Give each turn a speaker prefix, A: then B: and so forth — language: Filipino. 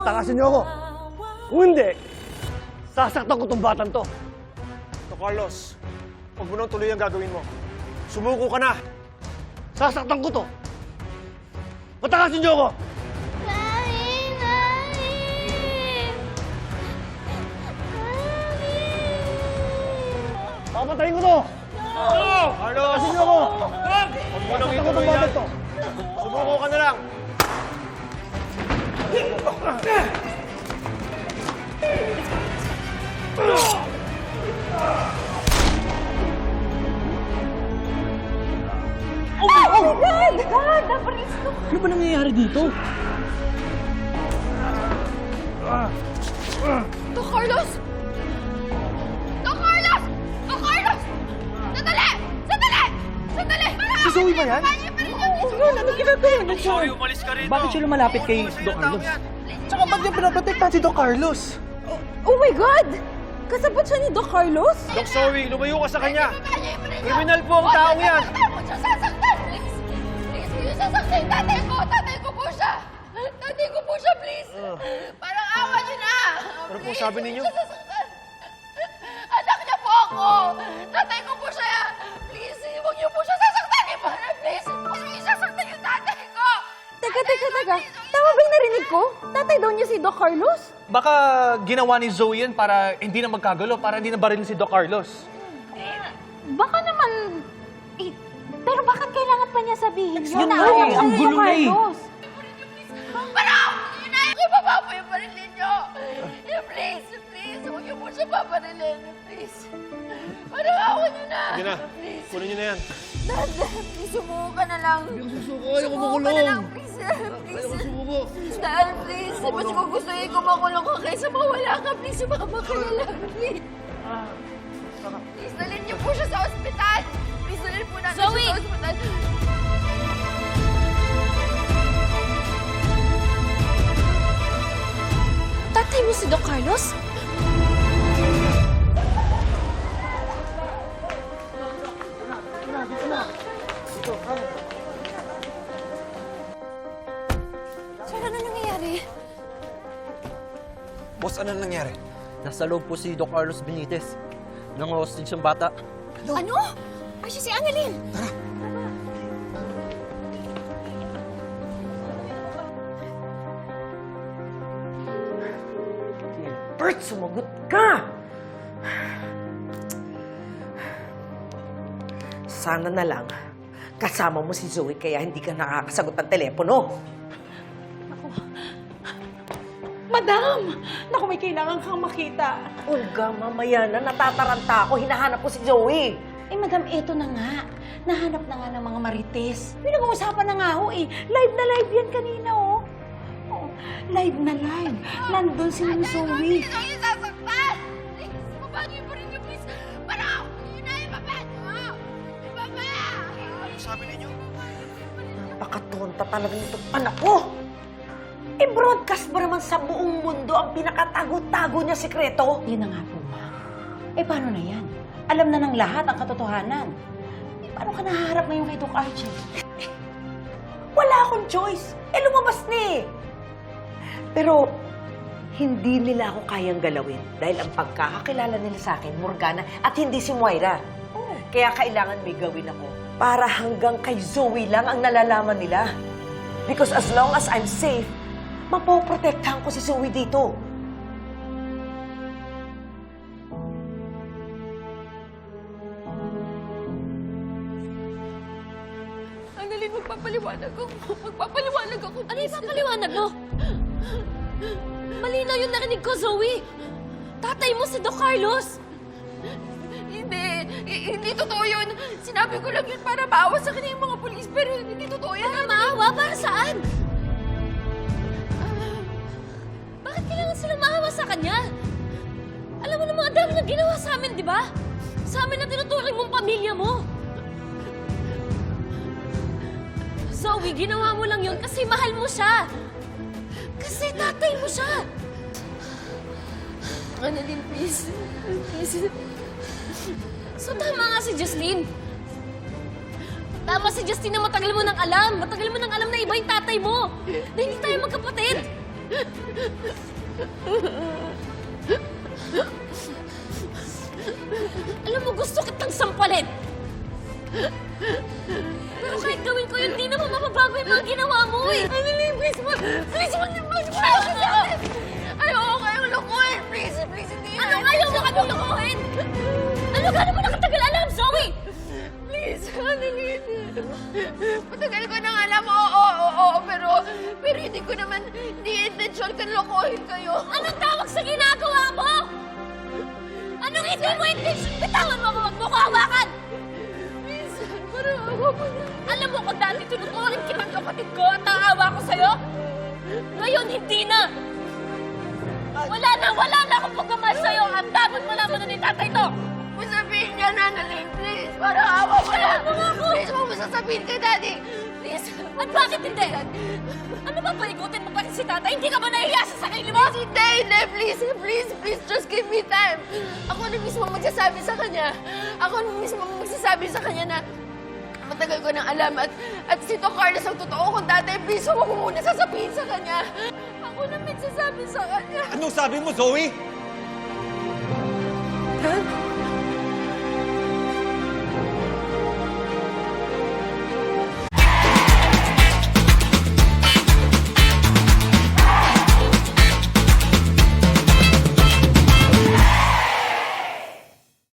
A: Takasin niyo ako. Kung hindi, sasaktan ko tong batang to.
B: So, Carlos, huwag mo nang tuloy ang gagawin mo. Sumuko ka na!
A: Sasaktan ko to. Patakasin niyo ako.
C: Mami! Mami!
A: Papatayin ko to.
B: Carlos!
A: Takasin niyo ako.
B: Huwag mo nang
A: Sasaktan ko tong
B: ituloy yan.
A: batang to.
B: Sumuko ka na lang!
D: Ano ba nangyayari dito?
C: Doc Carlos! Doc Carlos! Doc Carlos! Sandali! Sandali! Sandali!
B: Si Zoe ba yan?
D: Oo nga, ano ginagawa niya siya?
B: umalis ka rito!
D: Bakit siya lumalapit kay Doc Carlos?
B: Tsaka ba't niya pinaprotektahan si Doc Carlos?
E: Oh my God! Kasabot siya ni Doc Carlos?
B: Doc Zoe, lumayo ka sa kanya! Kriminal po ang taong yan!
C: Huwag siya sasaktan! Please! Please, huwag niyo sasaktan! Tatay ko! Tatay ko po siya! Tatay ko po siya, please! Parang awa niyo na!
B: Ano po
C: Please,
B: sabi
C: huwag
B: ninyo?
C: niyo siya sasaktan. Anak niya po ako! Tatay ko po siya! Please, huwag niyo po siya sasaktan! Please! Huwag niyo sasaktan yung tatay ko!
E: Teka. Tama ba yung narinig ko? Tatay daw niya si Doc Carlos?
F: Baka ginawa ni Zoe yan para hindi na magkagulo, para hindi na baril si Doc Carlos.
E: Baka naman... pero bakit kailangan pa niya sabihin yun?
D: Yun nga eh, ang gulo na eh.
C: Parang! Yun na! Ibaba po yung barilin niyo! Please! Please! Huwag niyo po siya paparilin! Please! Parang awa niyo na!
B: Sige na, kunin niyo na yan.
C: Dad, please, sumuko ka na lang.
A: Ayoko susuko, ayoko
C: Sumuko ka na
A: makulong.
C: lang, please.
A: Ayoko
C: Please.
A: sumuko.
C: Dad, please. Mas ko gusto ko makulong ka kaysa mawala ka. Please, sumama ka na lang. Please. Please, dalhin niyo po siya sa ospital. Please, dalhin po natin siya sa ospital.
E: Tatay mo si Doc Carlos?
C: Sir, ano nangyayari?
G: Boss, ano nangyari?
D: Nasa loob po si Doc Carlos Benitez. Nang-hostage ang bata.
C: Ano? Ay, siya si Annalyn.
H: Bert, sumagot ka! Sana na lang, kasama mo si Zoe kaya hindi ka nakakasagot ng telepono.
E: Madam! Naku, may kailangan kang makita.
H: Olga, mamaya na, natataranta ako. Hinahanap ko si Zoe.
E: Eh, madam, eto na nga. Nahanap na nga ng mga marites. Pinag-uusapan na nga ho eh. Live na live yan kanina, oh. Oh, live na live. Nandun si Ma'am Zoe.
C: Please, huwag niyo sasaktan. Please, ibaba niyo yung barilin niyo, please. Parang, yun na, ibaba niyo. Ibaba!
B: Ano sabi ninyo?
H: Napakatonta talaga nitong anak ko. I-broadcast ba naman sa buong mundo ang pinakatago-tago niya sekreto?
E: Yun na nga po, ma. Eh, paano na yan? Alam na ng lahat ang katotohanan. Eh, paano ka nahaharap ngayon kay Doc Archie?
H: Wala akong choice. Eh, lumabas na eh. Pero, hindi nila ako kayang galawin dahil ang pagkakakilala nila sa akin, Morgana, at hindi si Moira. Kaya kailangan may gawin ako para hanggang kay Zoe lang ang nalalaman nila. Because as long as I'm safe, mapoprotektahan ko si Zoe dito.
C: Annalyn, magpapaliwanag ako. Magpapaliwanag ako.
I: Ano yung papaliwanag mo? Malinaw yung narinig ko, Zoe. Tatay mo si Doc Carlos.
C: Hindi totoo yun. Sinabi ko lang yun para maawa sa kanya yung mga polis, pero hindi totoo yan.
I: Para maawa? Para saan? Bakit kailangan sila maawa sa kanya? Alam mo naman, ang dami na ginawa sa amin, di ba? Sa amin na tinuturing mong pamilya mo. Zoe, ginawa mo lang yun kasi mahal mo siya. Kasi tatay mo siya.
C: Annalyn, please. Please.
I: So tama nga si Justine. Tama si Justine na matagal mo nang alam. Matagal mo nang alam na iba yung tatay mo. Na hindi tayo magkapatid. Alam mo, gusto kitang sampalin. Pero kahit gawin ko yun, di naman mababago yung mga ginawa mo eh.
C: Annalyn, please, please, wag niyo sa akin. Ayoko kayong lukuhin. Please, hindi.
I: Ano ayaw mo kaming lukuhin? Ano gano'n mo nakatagal alam, Zoe?
C: Please, Annalyn. Matagal ko nang alam, oo, pero hindi ko naman, hindi intention ko lukuhin kayo.
I: Anong tawag sa ginagawa mo? Anong hindi mo intention? Bitawan mo ako, wag mo ko hawakan!
C: Minsan, parang ako mo na.
I: Alam mo kung dati tinuturing kitang kapatid ko at naawa ko sa'yo? Ngayon, hindi na! Wala na akong pagmamahal sa'yo at dapat malaman na ni tatay to!
C: Sabihin niya na, Annalyn, please. Parang awa mo na. Please, huwag mo sasabihin kay Daddy. Please.
I: At bakit hindi? Ano ba paikutin mo pa si tatay? Hindi ka ba nahiya sa sarili mo?
C: Hindi. Please, just give me time. Ako na mismo magsasabi sa kanya. Ako na mismo magsasabi sa kanya na matagal ko nang alam at si Doc Carlos ang totoo kong tatay. Please, huwag mo muna sasabihin sa kanya. Ako na magsasabi sa kanya.
F: Anong sabi mo, Zoe?
C: Dad?